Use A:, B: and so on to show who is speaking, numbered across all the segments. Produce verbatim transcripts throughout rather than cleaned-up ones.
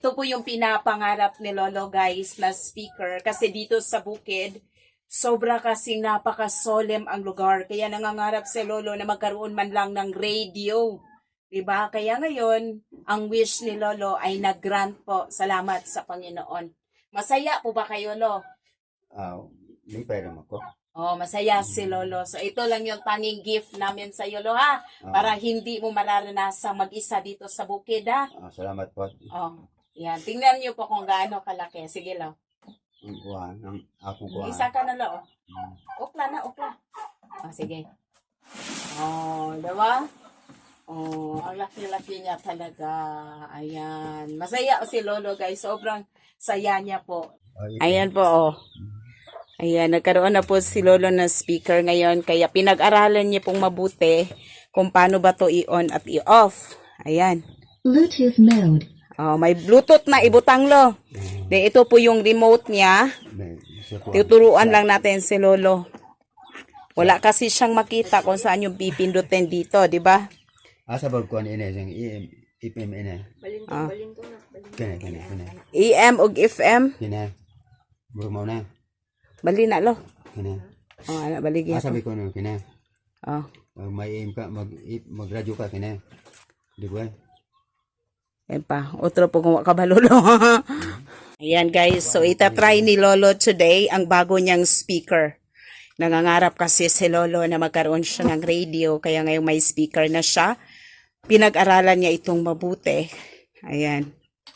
A: Ito po yung pinapangarap ni Lolo guys na speaker kasi dito sa bukid, sobra kasing napaka-solemn ang lugar. Kaya nangangarap si Lolo na magkaroon man lang ng radio. Diba? Kaya ngayon, ang wish ni Lolo ay nag-grant po. Salamat sa Panginoon. Masaya po ba kayo, Lo?
B: Ah, may pera mo ko.
A: Oh, masaya si Lolo. So ito lang yung tanging gift namin sa iyo, Lo, ha?
B: Ah.
A: Para hindi mo mararanasang mag-isa dito sa bukid, ha?
B: Ah, salamat po.
A: Oh, yan. Tingnan niyo po kung gaano kalaki. Sige, Lo.
B: Ang kuha, ang akong kuha.
A: Isa ka na, Lo.
B: Hmm.
A: Ukla na, ukla. Oh, sige. Oh, diba? Oh, ang laki-laki niya talaga. Ayan. Masaya si Lolo, guys. Sobrang saya niya po. Ayan po, oh. Ayan, nagkaroon na po si Lolo ng speaker ngayon. Kaya pinag-aralan niya pong mabuti kung paano ba to i-on at i-off. Ayan.
C: Bluetooth mode.
A: Oh, may Bluetooth na ibutang, Lo. De, ito po yung remote niya. Tuturuan lang natin si Lolo. Wala kasi siyang makita kung saan yung pipindutin dito, di ba?
B: Asa ba kuha ni ina siyang I P M ina?
A: Balintong,
B: Ah.
A: balintong na.
B: Kene, kene, kene.
A: E M ug F M.
B: Kene. Buro mo na.
A: Bali na, Lo.
B: Kene.
A: Oh, ana baligi.
B: Asa ba ko no kene?
A: Oh.
B: Mag may aim ka, mag magradyo ka kene. Di ba?
A: Ayan pa, otro po kung kabalolo. Ayan guys, so itatry ni Lolo today ang bago niyang speaker. Nangangarap kasi si Lolo na magkaroon siya ng radio, kaya ngayong may speaker na siya. Pinag-aralan niya itong mabuti. Ayan.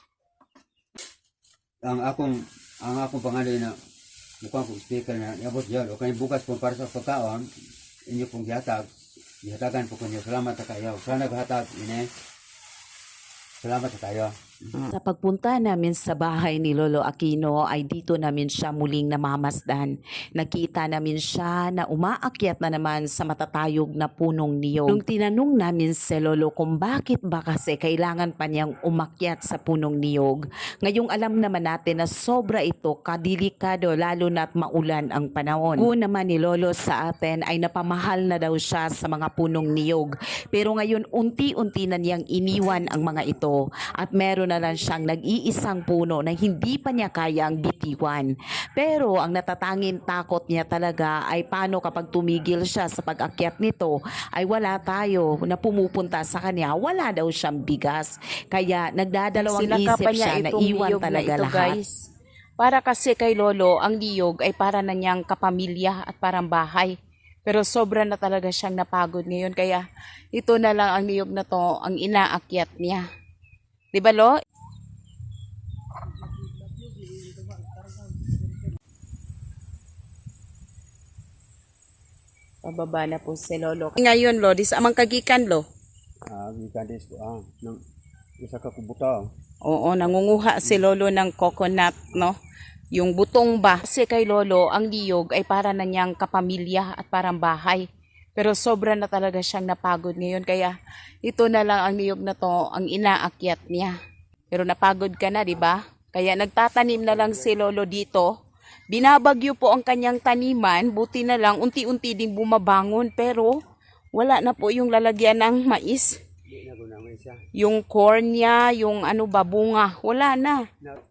B: Ang akong ang akong pangalan na mukhang kong speaker na yabot yun. O kaya bukas po para sa pagkaon, inyo pong gihatag. Gihatagan po kunyo. Salamat sa kayo. Sana naghatag, ine. Salamat sa tayo.
A: Sa pagpunta namin sa bahay ni Lolo Aquino ay dito namin siya muling namamasdan. Nakita namin siya na umaakyat na naman sa matatayog na punong niyog. Nung tinanong namin si Lolo kung bakit ba kasi kailangan pa niyang umakyat sa punong niyog, ngayong alam naman natin na sobra ito kadelikado lalo na't maulan ang panahon. Kung naman ni Lolo sa atin ay napamahal na daw siya sa mga punong niyog. Pero ngayon unti-unti na niyang iniwan ang mga ito at meron na lang siyang nag-iisang puno na hindi pa niya kayang bitiwan. Pero ang natatanging takot niya talaga ay paano kapag tumigil siya sa pag-akyat nito ay wala tayo na pumupunta sa kanya, wala daw siyang bigas. Kaya nagdadalawang isip siya na iwan talaga na ito, lahat. Guys. Para kasi kay Lolo, ang niyog ay para na niyang kapamilya at parang bahay. Pero sobra na talaga siyang napagod ngayon. Kaya ito na lang ang niyog na to, ang inaakyat niya. Di ba, Lo? Pababa na po si Lolo. Ngayon, Lo, di sa amang kagikan, Lo.
B: Ah, gikadis ko ah nang isa ka kubuta.
A: Oo, nangunguha si Lolo ng coconut, no? Yung butong ba. Kasi kay Lolo, ang niyog ay para na niyang kapamilya at parang bahay. Pero sobra na talaga siyang napagod ngayon. Kaya ito na lang ang niyog na to, ang inaakyat niya. Pero napagod ka na, di ba? Kaya nagtatanim na lang si Lolo dito. Binabagyo po ang kanyang taniman. Buti na lang, unti-unti din bumabangon. Pero wala na po yung lalagyan ng mais. Yung corn niya, yung ano ba, bunga. Wala na.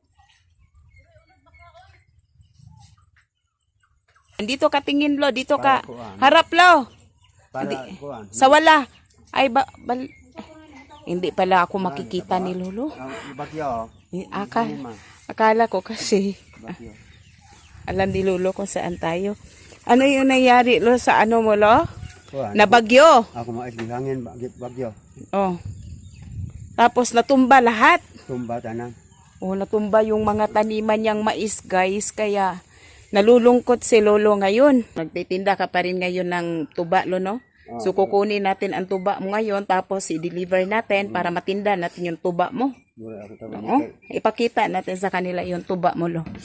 A: Dito ka tingin, Lo. Dito ka. Harap, Lo. Hindi. Sa wala. Ay, ba, bal, hindi pala ako makikita ni Lolo.
B: Bagyo.
A: Aka, akala ko kasi. Alam ni Lolo kung saan tayo. Ano yung nangyari, Lo, sa ano mo, Lo? Na bagyo.
B: Ako mais hangin bagyo.
A: Oh. Tapos natumba lahat.
B: Tumba tanan.
A: Oh, natumba yung mga taniman niyang mais, guys. Kaya nalulungkot si Lolo ngayon. Nagtitinda ka pa rin ngayon ng tuba, Lo, no? So kukunin natin ang tuba mo ngayon tapos i-deliver natin para matinda natin yung tuba mo. Oo, ipakita natin sa kanila yung tuba mo, Lo.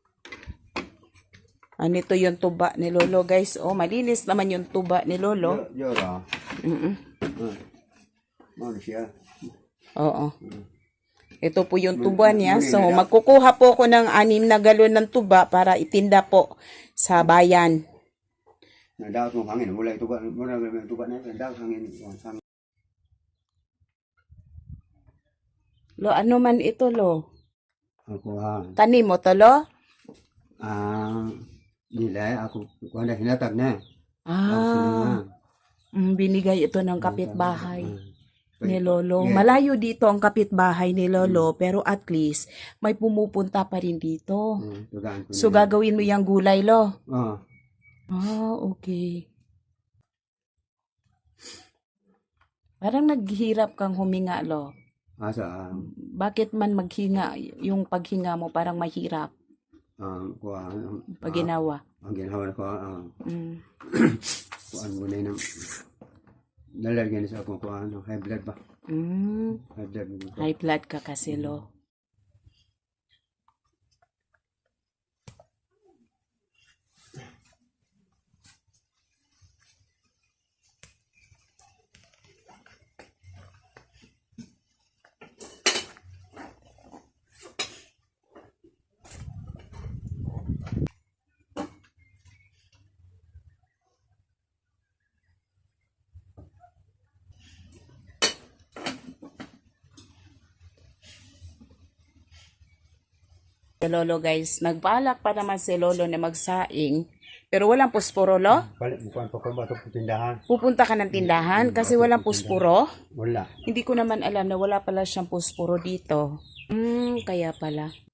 A: Ano ito yung tuba ni Lolo, guys. Oh, malinis naman yung tuba ni Lolo.
B: Yora.
A: Mm.
B: Ano siya?
A: Oo. Ito po yung tuba niya. So magkukuha po ako ng anim na galon ng tuba para itinda po sa bayan.
B: Nadaot mong hangin, wala ituba, wala yung tuba na, nadaot hangin, hangin.
A: Lo, ano man ito, Lo?
B: Ako ha.
A: Tanim mo to, lo?
B: Ah, nila ako kuan na hinatag na. Ako
A: Ah,
B: sila
A: mm, binigay ito ng
B: na.
A: kapitbahay
B: Ah,
A: ni Lolo.
B: Yeah.
A: Malayo dito ang kapitbahay ni Lolo, pero at least may pumupunta pa rin dito.
B: ah, tugaan ko
A: So,
B: nila.
A: gagawin mo yung gulay, lo?
B: Ah,
A: Ah, okay. Parang naghihirap kang huminga, lo.
B: asa ah,
A: Bakit man maghinga, yung paghinga mo parang mahirap
B: ah, kuan
A: pag ginawa?
B: ang ginawa ko ah,
A: Mm.
B: kuan mo na nang nalagyan sa akong kuan high blood ba?
A: Mm.
B: High blood mo ko.
A: High blood ka kasi, lo. Si Lolo, guys, nagbalak pa naman si Lolo na magsaing, pero walang pusporo, lo.
B: Balik mo kuan pa ko ba to tindahan?
A: Pupunta ka ng tindahan kasi walang pusporo.
B: Wala.
A: Hindi ko naman alam na wala pala siyang pusporo dito. Hmm, kaya pala.